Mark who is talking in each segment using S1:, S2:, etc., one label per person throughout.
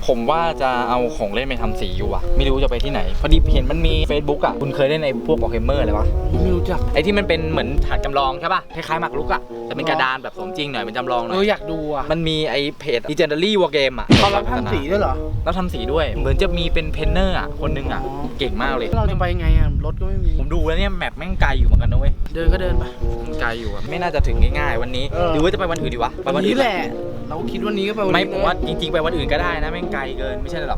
S1: ผมว่าจะเอาของเล่นไปทำสีอยู่อะไม่รู้จะไปที่ไหนพอดีเห็นมันมี Facebook อะคุณเคยเล่นในพวก Warhammer อะไรปะ
S2: ไม่รู้จัก
S1: ไอที่มันเป็นเหมือนถาดจำลองใช่ป่ะคล้ายๆหมากรุกอะแต่เป็นกระดานแบบสมจริงหน่อยเป็นจำลองหน่อย
S2: อยากดูอ่ะ
S1: มันมีไอเพจ Legendary War Game อะ
S2: เขารับทำสีด้วยเหรอ
S1: แล้วทำสีด้วยเหมือนจะมีเป็นเพนเนอร์อะคนนึงอะเก่งมากเลย
S2: เราจะไปไงอ่ะรถก็ไม่มี
S1: ผมดูแล้วเนี่ยแมปแม่งไกลอยู่เหมือนกันนะเว้ย
S2: เดินก็เดินไป
S1: มันไกลอยู่อะไม่น่าจะถึงง่ายๆวันนี้
S2: เออ
S1: หรือว่าจะไปวันอื่นดีวะไป
S2: วัน
S1: อื่
S2: นี้แหละ เราคิดวันนี้ก็ไปวัน
S1: ไม่
S2: นี้
S1: ผมว่าจริงๆไปวันอื่นก็ได้นะแม่งไกลเกินไม่ใช่หรอก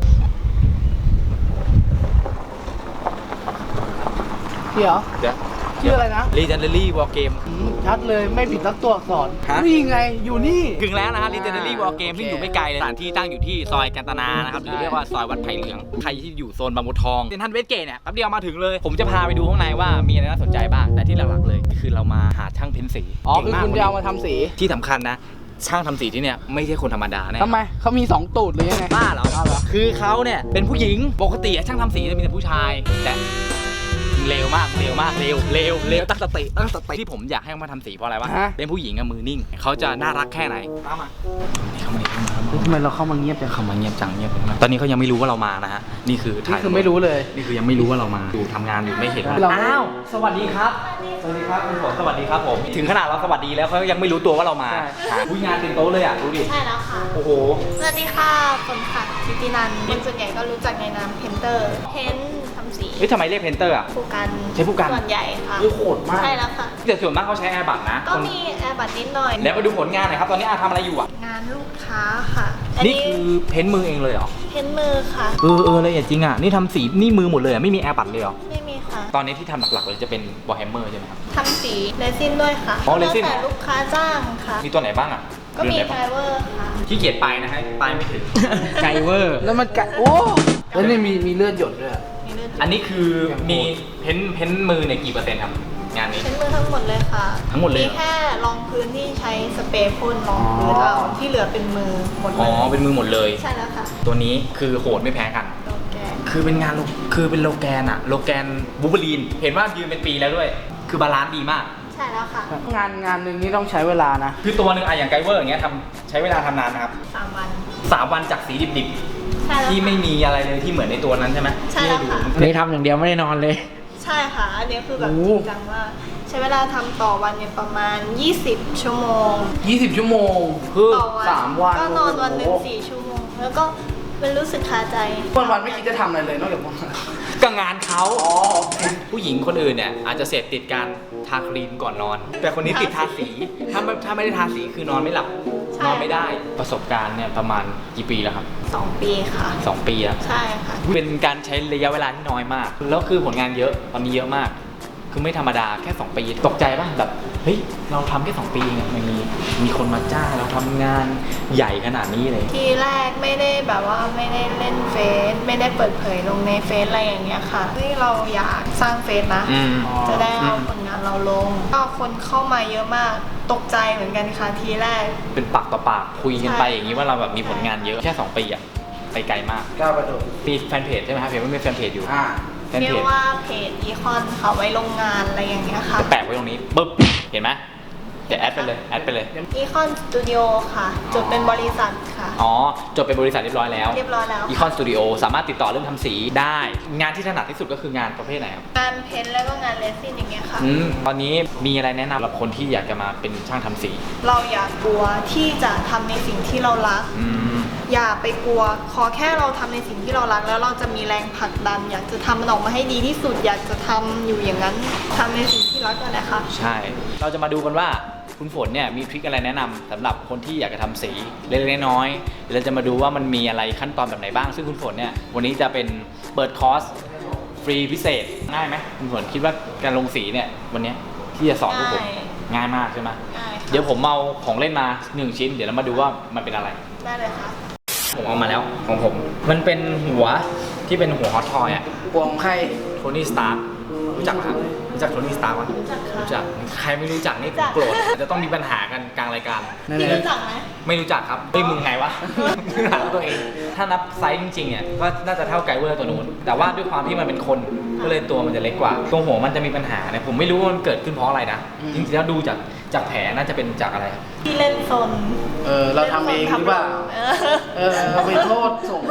S2: เดี๋ยว
S1: เดี๋ยว
S2: ชื่ออะไรนะ
S1: Legendary War Game
S2: ชัดเลยไม่ผิดสักตัวอักษร
S1: ฮะ
S2: นี่ไงอยู่นี่
S1: ถึงแล้วนะฮะ Legendary War Game ซึ่งอยู่ไม่ไกลเลยสถานที่ตั้งอยู่ที่ซอยกันตนานะครับหรือเรียกว่าซอยวัดไผ่เหลืองใครที่อยู่โซนบางบัวทองเซ็นทรัลเวสเกตเนี่ยแป๊บเดียวมาถึงเลยผมจะพาไปดูข้างในว่ามีอะไรน่าสนใจบ้างแต่ที่หลักๆเลยคือเรามาหาช่างเพ้นสี
S2: อ๋อ
S1: เก่ง
S2: คือ
S1: มาก
S2: คุณจะเอามาทำสี
S1: ที่สำคัญนะช่างทำสีที่เนี่ยไม่ใช่คนธรรมดาแน่
S2: ทำไมเขามี2ตูดหรือยังไง
S1: บ้าเหรอ
S2: บ้าเหรอ
S1: คือเขาเนี่ยเป็นผู้หญิงปกติช่างทำสีจะมีแต่ผู้ชายแต่เร็วมากเร็วตั้งสติที่ผมอยากให้เขามาทำสีเพราะอะไรวะ
S2: ฮะ
S1: เป็นผู้หญิงอะมือนิ่งเขาจะน่ารักแค่ไหนตามมาเข้ามา
S2: ทำไมเราเข้ามาเงียบจัง
S1: เข้ามาเงียบจังตอนนี้เขายังไม่รู้ว่าเรามานะฮะนี่คือ
S2: นี่คือไม่รู้เลย
S1: นี่คือยังไม่รู้ว่าเรามาอยู่ทำงานอยู่ไม่เห็นว่า
S2: เรา
S1: อ้าวสวัสดีครับสวัสดีครับคุณฝนสวัสดีครับผมถึงขนาดเราสวัสดีแล้วเขายังไม่รู้ตัวว่าเรามาผู้งานเต็มโต๊ะเลยอ่ะดูดิ
S3: ใช่แล้วค่ะ
S1: โอ้โห
S3: สวัสดีค่ะฝนค่ะทิตินันท์คนส่วนใหญ่ก็รู้จักในนามเพนเตอร์ เพ้นท์ทำสี
S1: เฮ้ยทำไมเรียกเพนเตอร์อ่ะ
S3: ผู้กัน
S1: ใช้ผู้กัน
S3: ส่วนใหญ่ค่ะ
S2: เฮ้ยโหดมาก
S3: ใช่แล้วค่ะ
S1: แต่ส่วนมากเขาใช้แอร์บัตนะ
S3: ก็มีแอร์บัตนิดหน่อย
S1: แล้วมาดูผลงานหน่อยครับตอนนี้อาทำอะไรอยู่อ่ะ
S3: งานลูกค้าค่ะ อัน
S1: นี่
S3: นี้
S1: คือเพ้นท์มือเองเลยเหรอ
S3: เพ้นท์มือค่ะ
S1: ละเอียดจริงอ่ะนี่ทำสีนี่มือหมดเลยอ่ะไม่มีแอร์บัตเลยเหรอ
S3: ไม่มีค่ะ
S1: ตอนนี้ที่ทำหลักๆเลยจะเป็นวอร์แฮมเมอร์ใช่ไหมครับ
S3: ทำสีเรซินด้วยค่ะ
S1: อ๋อเรซิน
S3: แล้วแต่ลูกค้าจ้างค่ะ
S1: มีตัวไหนบ้างอ่ะ
S3: ก็มี
S1: เดือนไหน
S3: ได
S1: บ้าง
S3: เวอร์ค่ะ
S1: ขี้เกียจไปนะฮะไปไม่ถึง ไกเวอร์
S2: แล้วมันกัดโอ้แล้วนี่มีเลือดหยดด้วยอะ
S3: มีเลือด
S1: อันนี้คือมีเพ้นท์มือเนี่ยกี่เปอร์เซ็นต์ครับงานนี้
S3: เพ้นท์มือทั้งหมดเลยค่ะ
S1: ทั้งหมดเลย
S3: มีแค่รองพื้นที่ใช้สเปรย์พ่นรองพื้นเอาที่เหลือเป็นมือหมดเล
S1: อ๋อย เป็นมือหมดเลย
S3: ใช่แล้วค่ะ
S1: ตัวนี้คือโหดไม่แพ้กัน
S3: โอเค
S1: คือเป็นงานคือเป็นโลแกนอะโลแกนบูเบอรีน เห็นว่ายืนเป็นปีแล้วด้วย คือบาลานซ์ดีมาก
S3: ใช่แล้วค่ะ
S2: งานหนึ่งนี่ต้องใช้เวลานะ
S1: คือตัวหนึ่งอะอย่างไกเวอร์อย่างเงี้ยใช้เวลาทำนานนะครับ
S3: 3 วัน
S1: 3 วันจากสีดิบ
S3: ใช่แล้ว
S1: ๆที่
S3: ค่ะ
S1: ไม่มีอะไรเลยที่เหมือนในตัวนั้นใช่ไหม
S3: ใช่แล้วค่ะ
S1: ที่ให้ดู
S2: นี่ทำอย่างเดียวไม่ได้นอนเลย
S3: ใช่ค่ะ อันนี้คือแบบ
S2: โอ้
S3: จริงจังมากใช้เวลาทำต่อวันเนี่ยประมาณ 20 ชั่วโมง
S2: 20 ชั่วโมง
S1: คือ
S3: ต่อวัน
S2: 3 วัน
S3: ก็นอนวันหนึ่ง
S2: โอ้โห
S3: 4 ชั่วโมง แล้วก็เป็นรู้สึกคาใจ
S2: วันไม่คิดจะทำอะไรเลยนอกจากพวกนั้น
S1: ก็งานเขา
S2: อ๋อ
S1: ผู้หญิงคนอื่นเนี่ยอาจจะเสพติดการทาครีมก่อนนอน แต่คนนี้ติดทาสี ถ้าไม่ได้ทาสีคือนอนไม่หลับ
S3: ใช่
S1: นอนไม่ได้ ประสบการณ์เนี่ยประมาณกี่ปีแล้วครับ
S3: 2 ปีค่ะ
S1: 2 ปีแล้ว
S3: ใช่ค่ะ
S1: เป็นการใช้ระยะเวลาที่น้อยมาก แล้วคือผลงานเยอะ ตอนนี้เยอะมาก คือไม่ธรรมดาแค่ 2 ปี ตกใจป่ะแบบ เฮ้ย เราทำแค่ 2 ปีเองอะมันมีคนมาจ้างเราทำงานใหญ่ขนาดนี้เลย
S3: ทีแรกไม่ได้แบบว่าไม่ได้เล่นเฟซไม่ได้เปิดเผยลงในเฟซอะไรอย่างเงี้ยค่ะที่เราอยากสร้างเฟซนะ
S1: อืม
S3: จะได้เอาผลงานเราลง ก็คนเข้ามาเยอะมาก ตกใจเหมือนกันค่ะทีแรก
S1: เป็นปากต่อปากคุยกันไป
S3: ใช่
S1: อย่างนี้ว่าเราแบบมีผลงานเยอะ แค่ 2 ปีอะไปไกลมาก
S2: ก้าวกระโดด
S1: มีแฟนเพจใช่ไหมครับเห็นว่ามีแฟนเพจอยู่ แฟน
S3: เรีย
S1: เพ
S3: ก
S1: จ
S3: ว่าเพจอีคอนค่ะไว้ลงงานอะไรอย่างเงี้ยค่ะ
S1: จะแปะไว้ตรงนี้ปึ๊บ เห็นไหมเดี๋ยวแอดไปเลยแอดไปเลย
S3: อีคอนสตูดิโอค่ะจดเป็นบริษัทค่ะ
S1: อ๋อ จดเป็นบริษัทเรียบร้อยแล้ว
S3: เรียบร้อยแล้ว
S1: อีคอนสตูดิโอสามารถติดต่อเรื่องทำสีได้ งานที่ถนัดที่สุดก็คืองานประเภทไหนครับ
S3: งานเพ้นท์แล้วก็งานเรซินอย่างเงี้ยค่ะ
S1: ตอนนี้มีอะไรแนะนำสำหรับคนที่อยากจะมาเป็นช่างทำสี
S3: เราอย่ากลัวที่จะทำในสิ่งที่เรารัก
S1: อืม
S3: อย่าไปกลัว ขอแค่เราทำในสิ่งที่เรารัก แล้วเราจะมีแรงผลักดัน อยากจะทำมันออกมาให้ดีที่สุด อยากจะทำอยู่อย่างนั้นทำในสิ่งที่รักนั่นแหละค่ะ
S1: ใช่ เราจะมาดูกันว่าคุณฝนเนี่ยมีทริคอะไรแนะนำสำหรับคนที่อยากจะทำสีเล็กๆน้อยๆเราจะมาดูว่ามันมีอะไรขั้นตอนแบบไหนบ้าง ซึ่งคุณฝนเนี่ยวันนี้จะเป็นเปิดคอร์สฟรีพิเศษง่ายไหมคุณฝนคิดว่าการลงสีเนี่ยวันนี้ที่จะสอนพวกผมง่ายมากใช่ไหม
S3: ได้ค่ะ
S1: เดี๋ยวผมเอาของเล่นมา1 ชิ้นเดี๋ยวเรามาดูว่ามันเป็นอะไร
S3: ได้เลยค่ะ
S1: ผมเอามาแล้วของผม มันเป็นหัวที่เป็นหัวฮอตทอยอะ
S2: ปวงใคร
S1: โทนี่สตาร์รู้จักไหมครับรู้จักโทนี่สตาร์ไหม
S3: รู้จักค่ะ
S1: รู้จักใครไม่รู้จักนี่
S3: รู้จัก
S1: โกรธจะต้องมีปัญหากันกลางรายการ
S3: พี่รู้จักไหม
S1: ไม่รู้จักครับเฮ้ยมึงไงวะ ถามตัวเอง ถ้านับไซส์จริงๆเนี่ยก็น่าจะเท่าไกเวอร์ตัวนู้น แต่ว่าด้วยความที่มันเป็นคนก็เลยตัวมันจะเล็กกว่า ตรงหัวมันจะมีปัญหาเนี่ยผมไม่รู้ว่ามันเกิดขึ้นเพราะอะไรนะ จริงๆแล้วดูจากแผลน่าจะเป็นจากอะไรครับ
S3: พี่เล่นโซน
S2: เราทำเองหรือเปล่า
S3: เออ
S2: เราไปโทษส่งโทษ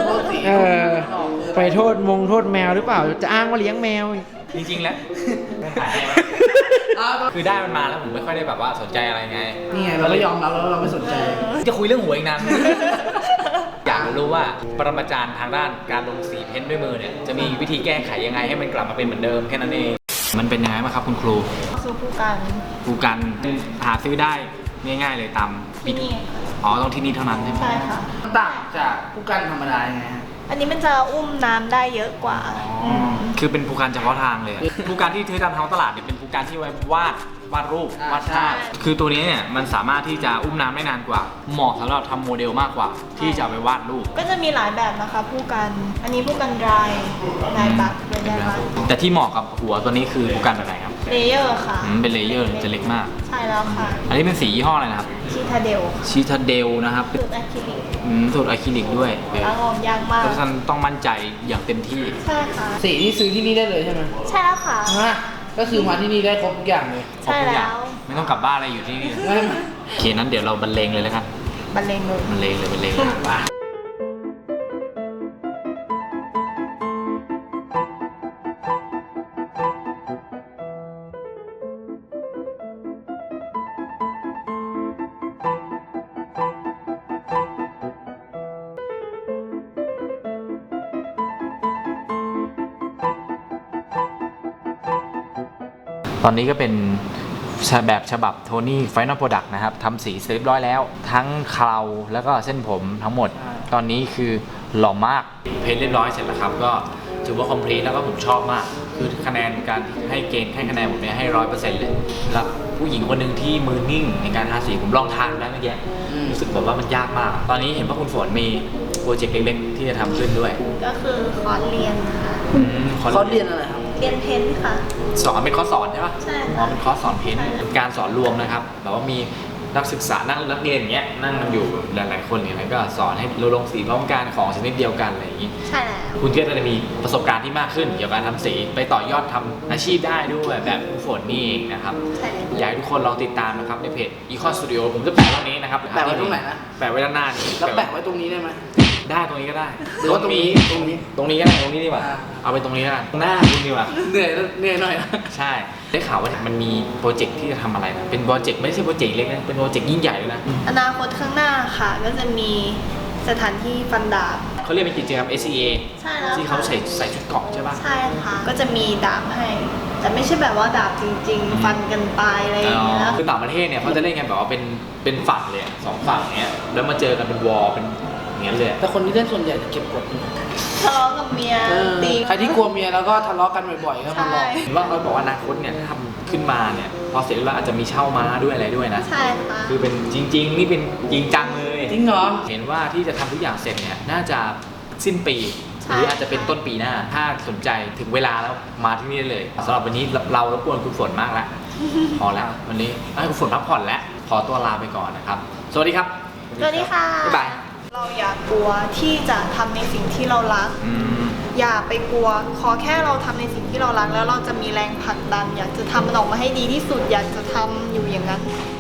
S2: เออไปโทษแมวหรือเปล่า จะอ้างว่าเลี้ยงแมว
S1: จริงๆแล้วไม่ถ่ายให้คือได้มันมาแล้วผมไม่ค่อยได้แบบว่าสนใจอะไรไง
S2: นี่ไงเราก็ยอมรับแล้วเราไม่สนใจ
S1: จะคุยเรื่องหวยอีกนาน อยากรู้ว่าปรมาจารย์ทางด้านการลงสีเพ้นท์ด้วยมือเนี่ยจะมีวิธีแก้ไขยังไงให้มันกลับมาเป็นเหมือนเดิมแค่นั้นเองมันเป็นยังไงบ้างครับคุณครู
S3: คือผู้กัน
S1: ครูกันหาซื้อได้ง่ายๆเลยตาม
S3: ที่นี่
S1: อ๋อต้องที่นี่เท่านั้นใช่ไหม
S3: ใช่ค่ะ
S2: ต่างจากผู้กันธรรมดายังไงฮะ
S3: อันนี้มันจะอุ้มน้ำได้เยอะกว่า
S1: คือเป็นผู้การเฉพาะทางเลยอะผู้การที่เทตามท้องตลาดเนี่ยเป็นผู้การที่ไว้วาดรูปวาดภาพคือตัวนี้เนี่ยมันสามารถที่จะอุ้มน้ำได้นานกว่า เหมาะสำหรับทำโมเดลมากกว่า ที่จะเอาไปวาดรูป
S3: ก็จะมีหลายแบบนะคะผู้กัน อันนี้ผู้กันดรายนายบักเป็นนายบัก
S1: แต่ที่เหมาะกับหัวตัวนี้คือผู้การแบบไหนครับ
S3: เลเยอร์ค่ะ
S1: เป็นเลเยอร์จะเล็กมาก
S3: ใช่แล้วค่ะ
S1: อันนี้เป็นสียี่ห้ออะไรนะครับ
S3: ชีทาเดล
S1: ชีทาเดลนะครับ
S3: สูตรอะคริลิก
S1: สูตรอะคริลิกด้วย
S3: ล้างออกยากมาก
S1: เพราะฉะนั้นต้องมั่นใจอย่างเต็มที่
S3: ใช่ค่ะ
S2: สีที่ซื้อที่นี่ได้เลยใช่ไหม
S3: ใช่แล้วค่ะ
S2: ฮะก็คือมาที่นี่ได้ครบทุกอย่างเลย
S3: ใช่แล้ว
S1: ไม่ต้องกลับบ้านอะไรอยู่ที่นี่
S2: ไม่
S1: โอเคนั้นเดี๋ยวเราบรรเลงเลยแล้วกัน
S3: บรรเลงเลย
S1: บรรเลงเลยว่าตอนนี้ก็เป็นแบบฉบับโทนี่ไฟนอลโปรดักต์นะครับทำสีเสร็จเรียบร้อยแล้ว ทั้งเคราแล้วก็เส้นผมทั้งหมด ตอนนี้คือหล่อมากเพ้นเรียบร้อยเสร็จแล้วครับ ก็ถือว่าคอมพลีทแล้วก็ผมชอบมาก คือคะแนนการให้เกณฑ์ให้คะแนนผมเนี่ยให้ 100% เลยครับผู้หญิงคนหนึ่งที่มือนิ่งในการทาสีผมลองทานแล้วเมื่อกี้รู้สึกแบบว่ามันยากมาก ตอนนี้เห็นว่าคุณฝนมีโปรเจกต์เล็กๆที่จะทำขึ้นด้วย
S3: ก็คือคอร์สเรียนค่ะ
S2: เขาเรียนอะไรครับ
S3: เรียนเพ้นท์ค่ะ
S1: สอนเป็นคอร์สสอนใช่ปะ
S3: ใช่ค่ะ
S1: อ๋อเป็นคอร์สสอนเพ้นท์เป็นการสอนรวมนะครับแบบว่ามีนักศึกษานักเรียนอย่างเงี้ยนั่งกันอยู่หลายๆคนเนี่ยแล้วก็สอนให้เราลงสีพร้อมกันของชนิดเดียวกันอะไรอย่างงี้
S3: ใช่แล้ว
S1: คุณก็จะมีประสบการณ์ที่มากขึ้นเกี่ยวกับการทำสีไปต่อยอดทำอาชีพได้ด้วยแบบคุณฝนนี่เองนะครับ
S3: ใช่แล้ว
S1: อยากให้ทุกคนลองติดตานะครับในเพจ Econ Studio ผมจะแปะไว้ตรงนี้นะครับ
S2: แปะไว้ตรงไหนนะ
S1: แปะไว้ด้านหน้านี่
S2: แล้วแปะไว้ตรงนี้ได้ไหม
S1: ได้ตรงนี้ก็ได้
S2: หรือว่าตรงนี้
S1: ตรงนี้ก็ได้ตรงนี้ดีกว่า
S2: อ่า
S1: เอาไปตรงนี้แล้วกันหน้าคุณดีกว่า
S2: เหนื่อยหน่อยนะ
S1: ใช่ ได้ข่าวว่ามันมีโปรเจกต์ที่จะทำอะไรนะ เป็นโปรเจกต์ไม่ใช่โปรเจกต์เล็กนะ เป็นโปรเจกต์ยิ่งใหญ่เลยนะ
S3: อนาคตข้างหน้าค่ะ ก็จะมีสถานที่ฟันดาบ
S1: เขาเรียกเป็นกิจกรรม SCA
S3: ใช่แล้ว
S1: ที่เขาใส่ชุดเกราะใช่ป่ะ
S3: ใช่ค่ะ ก็จะมีดาบให้ แต่ไม่ใช่แบบว่าดาบจริง ๆ ฟันกันตายอะไรอย่างเงี้ยนะ
S1: คือต่างประเทศเนี่ยเขาจะเล่นกันแบบว่าเป็นฝั่งเลยอะสองฝั่งเนี้ย แล้วมาเจอกันเป็นวอลเป็นอย่างเงี้ยเลยอะ
S2: แต่คนที่เล่นส่วนใหญ่จะเก็บกดอยู่
S3: ทะเลาะกับเมียตี
S2: ใครที่กลัวเมียแล้วก็ทะเลาะกันบ่อยๆก็มาลอง
S3: ใช่
S1: เห็นว่าเขาบอกว่าอนาคตเนี่ยถ้าทำขึ้นมาเนี่ย พอเสร็จแล้วอาจจะมีเช่าม้าด้วยอะไรด้วยนะ
S3: ใช่ค่ะ
S1: คือเป็นจริง ๆ นี่เป็นจริงจังเลย
S2: จริงเหรอ
S1: เห็นว่าที่จะทำทุกอย่างเสร็จเนี่ยน่าจะสิ้นปี
S3: ใช่
S1: หรืออาจจะเป็นต้นปีหน้า ถ้าสนใจถึงเวลาแล้วมาที่นี่ได้เลยสำหรับวันนี้เรารบกวนคุณฝนมากแล้ว พอแล้ววันนี้ให้คุณฝนพักผ่อนแล้วขอตัวลาไปก่อนนะครับ สวัสดีครับ
S3: สวัสดีค่ะ
S1: บ๊ายบาย
S3: เราอย่ากลัวที่จะทำในสิ่งที่เรารัก
S1: อืม
S3: อย่าไปกลัว ขอแค่เราทำในสิ่งที่เรารัก แล้วเราจะมีแรงผลักดัน อยากจะทำมันออกมาให้ดีที่สุด อยากจะทำอยู่อย่างนั้น